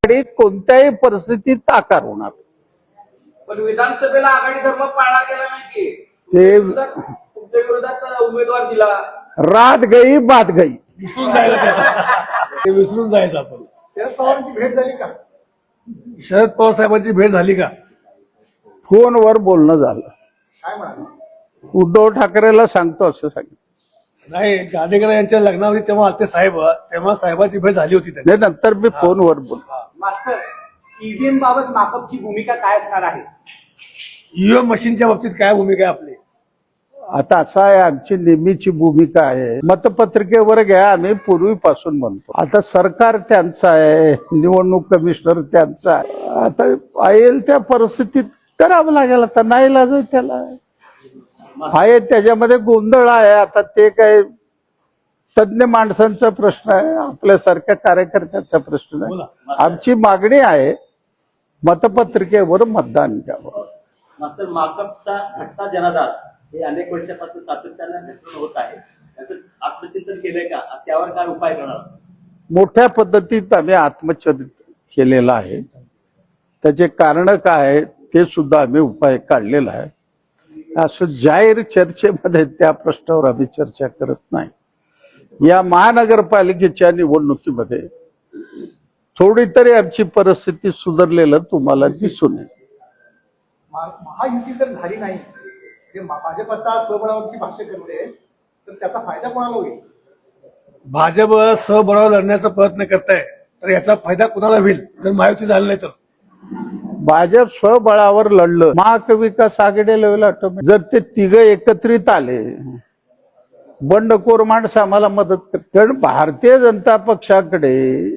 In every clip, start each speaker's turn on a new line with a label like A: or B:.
A: आघाडी कोणत्याही परिस्थितीत आकार होणार.
B: पण विधानसभेला आघाडी धर्म पाळला गेला नाही की
A: ते
B: तुमच्या विरोधात उमेदवार दिला.
A: रात गई बात गई.
C: विसरून जायला ते विसरून जायचं आपण.
B: शरद पवारांची भेट झाली का?
C: शरद पवार साहेबांची भेट झाली का?
A: फोनवर बोलणं झालं.
B: काय म्हणाले?
A: उद्धव ठाकरेला सांगतो असं सांगितलं.
C: नाही, गाडेकर यांच्या लग्नावरी तेव्हा आते साहेब, तेव्हा साहेबांची भेट झाली होती त्यांनी.
A: नंतर मी फोनवर बोलतो.
B: मास्तर, ईव्हीएम बाबत माकपची भूमिका काय असणार आहे?
C: ईव्हीएम मशीनच्या बाबतीत काय भूमिका आहे आपली?
A: आता असं आहे, आमची नेहमीची भूमिका आहे, मतपत्रिकेवर घ्या, आम्ही पूर्वीपासून म्हणतो. आता सरकार त्यांचं आहे, निवडणूक कमिशनर त्यांचा आहे. आता येईल त्या परिस्थितीत करावं लागेल. आता नाही लाज त्याला आहे, त्याच्यामध्ये गोंधळ आहे. आता ते काय तज्ञ माणसांचा प्रश्न आहे, आपल्यासारख्या कार्यकर्त्याचा प्रश्न आहे. आमची मागणी आहे मतपत्रिकेवर मतदान घ्यावं.
D: मास्तर, माकपचा घटना जनाधार हे अनेक वर्षापासून सातत्याने मिश्रण होत आहे. त्याचं आत्मचिंतन केलंय का? त्यावर काय उपाय करणार?
A: मोठ्या पद्धतीत आम्ही आत्मचरित केलेलं आहे. त्याचे कारण काय आहे ते सुद्धा आम्ही उपाय काढलेला आहे. असं जाहीर चर्चेमध्ये त्या प्रश्नावर आम्ही चर्चा करत नाही. या महानगरपालिकेच्या निवडणुकीमध्ये थोडी तरी आमची परिस्थिती सुधारलेलं तुम्हाला दिसून येईल.
E: महायुती जर झाली नाही, भाजप आता स्वबळावरची भाष्य करते, तर त्याचा फायदा कोणाला होईल?
C: भाजप स्वबळावर लढण्याचा प्रयत्न करताय, तर याचा फायदा कुणाला होईल जर महायुती झाली नाही तर?
A: भाजप स्वबळावर लढलं, महाविकास आघाडीला होईल ऑटोमॅटिक. जर ते तिघं एकत्रित आले, बंडखोर माणसं आम्हाला मदत करते. कारण भारतीय जनता पक्षाकडे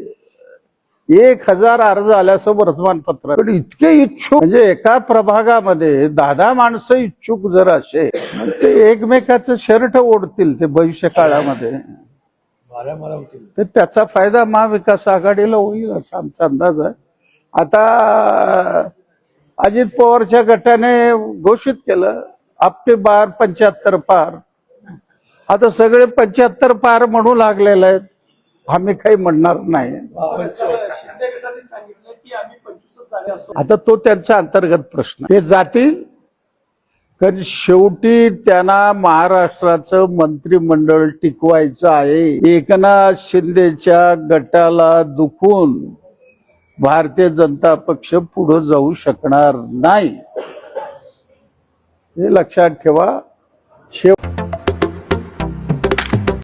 A: 1000 अर्ज आल्याचं वर्तमानपत्र, पण इतके इच्छुक, म्हणजे एका प्रभागामध्ये 10 माणसं इच्छुक जर असे, ते एकमेकाचं शर्ट ओढतील ते भविष्य काळामध्ये, तर त्याचा फायदा महाविकास आघाडीला होईल असा आमचा अंदाज आहे. आता अजित पवारच्या गटाने घोषित केलं आपके बार 75 पार. आता सगळे 75 पार म्हणू लागलेले आहेत, आम्ही काही म्हणणार नाही. आता तो त्यांचा अंतर्गत प्रश्न, ते जातील. कारण शेवटी त्यांना महाराष्ट्राचं मंत्रिमंडळ टिकवायचं आहे. एकनाथ शिंदेच्या गटाला दुखून भारतीय जनता पक्ष पुढे जाऊ शकणार नाही, हे लक्षात ठेवा.